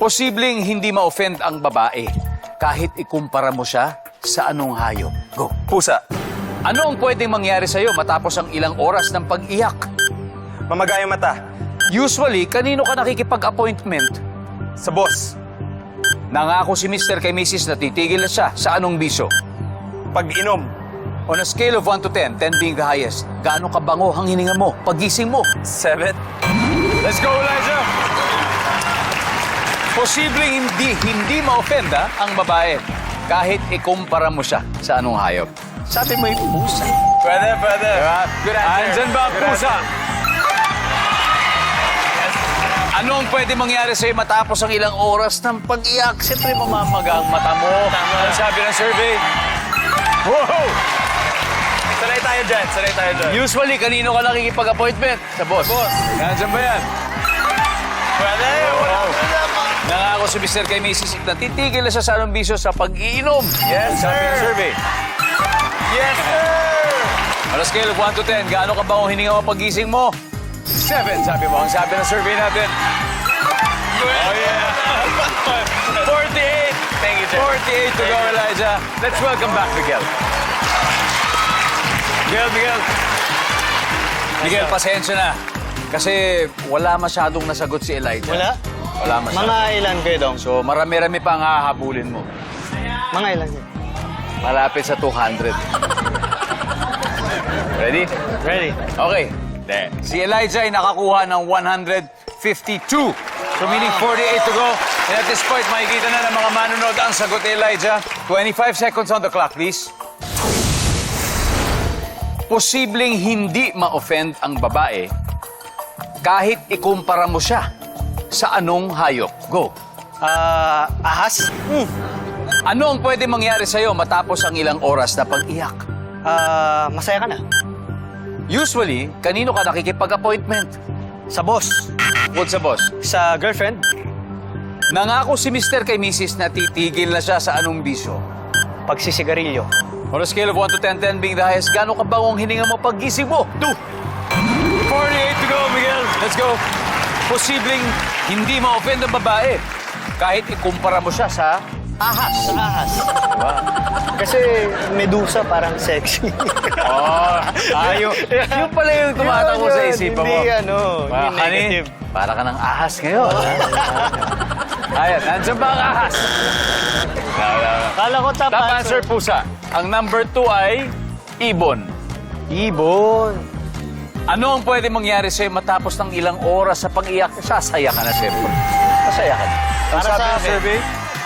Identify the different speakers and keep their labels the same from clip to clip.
Speaker 1: Posibleng hindi ma-offend ang babae kahit ikumpara mo siya sa anong hayop. Go.
Speaker 2: Pusa.
Speaker 1: Ano ang pwedeng mangyari sa'yo matapos ang ilang oras ng pag-iyak?
Speaker 2: Mamaga yung mata.
Speaker 1: Usually, kanino ka nakikipag-appointment?
Speaker 2: Sa boss.
Speaker 1: Nangako si Mr. kay Mrs. na titigil na siya sa anong bisyo?
Speaker 2: Pag-inom.
Speaker 1: On a scale of 1 to 10, 10 being the highest, gaano kabango ang hininga mo, pagising mo?
Speaker 2: 7.
Speaker 1: Let's go, Elijah! Posibleng hindi ma-offend ang babae kahit ikumpara mo siya sa anong hayop. Sabi mo yung pusa.
Speaker 2: Pwede.
Speaker 1: Diba?
Speaker 2: Good answer.
Speaker 1: Andyan ba ang
Speaker 2: Good
Speaker 1: pusa?
Speaker 2: answer.
Speaker 1: Ano ang pwede mangyari sa'yo matapos ang ilang oras ng pag-iyak? Siyempre, mamamaga ang mata mo.
Speaker 2: Tama.
Speaker 1: Ano sabi ng survey? Wow!
Speaker 2: Sanay tayo dyan.
Speaker 1: Usually, kanino ka nakikipag-appointment? Sa boss.
Speaker 2: Boss.
Speaker 1: Nandiyan ba yan?
Speaker 2: Pwede.
Speaker 1: Wow. Nangako si Mr. kay Mrs. na titigil na siya sa anong bisyo sa pag-iinom.
Speaker 2: Yes,
Speaker 1: Sabi ng
Speaker 2: sir.
Speaker 1: survey.
Speaker 2: Yes, sir!
Speaker 1: On a scale of 1 to 10, gaano ka ba ang hininga mo pagising mo? 7, sabi mo. Ang sabi ng survey natin. Oh, yeah. 48.
Speaker 2: Thank you, sir.
Speaker 1: 48 to go, Elijah. Let's welcome back Miguel. Miguel, pasensya na. Kasi wala masyadong nasagot si Elijah.
Speaker 3: Wala?
Speaker 1: Wala masyado.
Speaker 3: Mga ilan kayo dong?
Speaker 1: So, marami-rami pa ang hahabulin mo.
Speaker 3: Mga ilan kayo?
Speaker 1: Malapit sa 200. Ready?
Speaker 3: Ready?
Speaker 1: Okay. Si Elijah ay nakakuha ng 152. So meaning 48 to go. And at this point, makikita na ng mga manonood ang sagot ni Elijah. 25 seconds on the clock, please. Posibleng hindi ma-offend ang babae kahit ikumpara mo siya sa anong hayop. Go.
Speaker 3: Ahas?
Speaker 1: Ano ang pwede mangyari sa'yo matapos ang ilang oras na pag-iyak?
Speaker 3: Masaya ka na?
Speaker 1: Usually, kanino ka nakikipag-appointment?
Speaker 3: Sa boss?
Speaker 1: Bukod sa boss.
Speaker 3: Sa girlfriend?
Speaker 1: Nangako si Mr. kay Mrs. na titigil na siya sa anong bisyo.
Speaker 3: Pagsisigarilyo?
Speaker 1: On a scale of 1 to 10, 10 being the highest, gaano ka bangong hininga mo pag-gising mo? 2. 48 to go, Miguel. Let's go. Posibleng hindi ma-offend ang babae kahit ikumpara mo siya sa ahas.
Speaker 3: Sa ahas? Kasi medusa parang sexy.
Speaker 1: Yung pala yung tumatakbo sa isipan mo.
Speaker 3: Hindi negative.
Speaker 1: Para ka ng ahas ngayon. Ayan, nandiyan ba ang ahas?
Speaker 3: Kala ko top
Speaker 1: Top answer, pusa. Ang number 2 ay ibon.
Speaker 3: Ibon.
Speaker 1: Ano ang pwede mangyari sa'yo matapos ng ilang oras sa pag-iyak? Sasaya ka na, siyempre. Masaya ka na. Ang
Speaker 3: Para
Speaker 1: sabi
Speaker 3: sa
Speaker 1: ng
Speaker 3: akin.
Speaker 1: survey?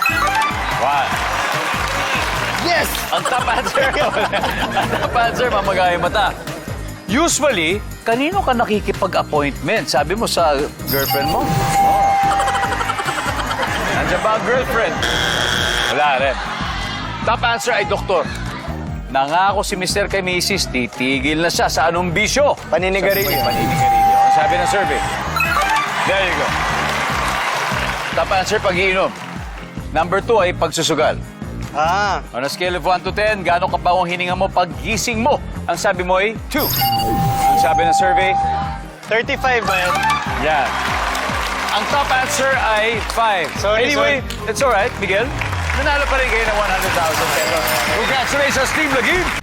Speaker 1: 1.
Speaker 3: Yes!
Speaker 1: Ang top answer. Ang top answer, mamagay mata. Usually, kanino ka nakikipag-appointment? Sabi mo sa girlfriend mo? Nandiyan ba ang girlfriend? Wala rin. Top answer ay doktor. Nangako si Mr. kay Mrs. titigil na siya sa anong bisyo?
Speaker 3: Paninigarilyo.
Speaker 1: Paninigarilyo. Ang sabi ng survey. There you go. Top answer, pag-iinom. Number 2 ay pagsusugal. On a scale of 1 to 10, gaano ka ba ang hininga mo pag-gising mo? Ang sabi mo ay 2. Ang sabi ng survey,
Speaker 3: 35 ba yan?
Speaker 1: yan. Ang top answer ay 5.
Speaker 3: Sorry,
Speaker 1: Anyway, it's alright, Miguel. Nanalo pa rin kayo ng 100,000 pesos. Congratulations, Team Lagim!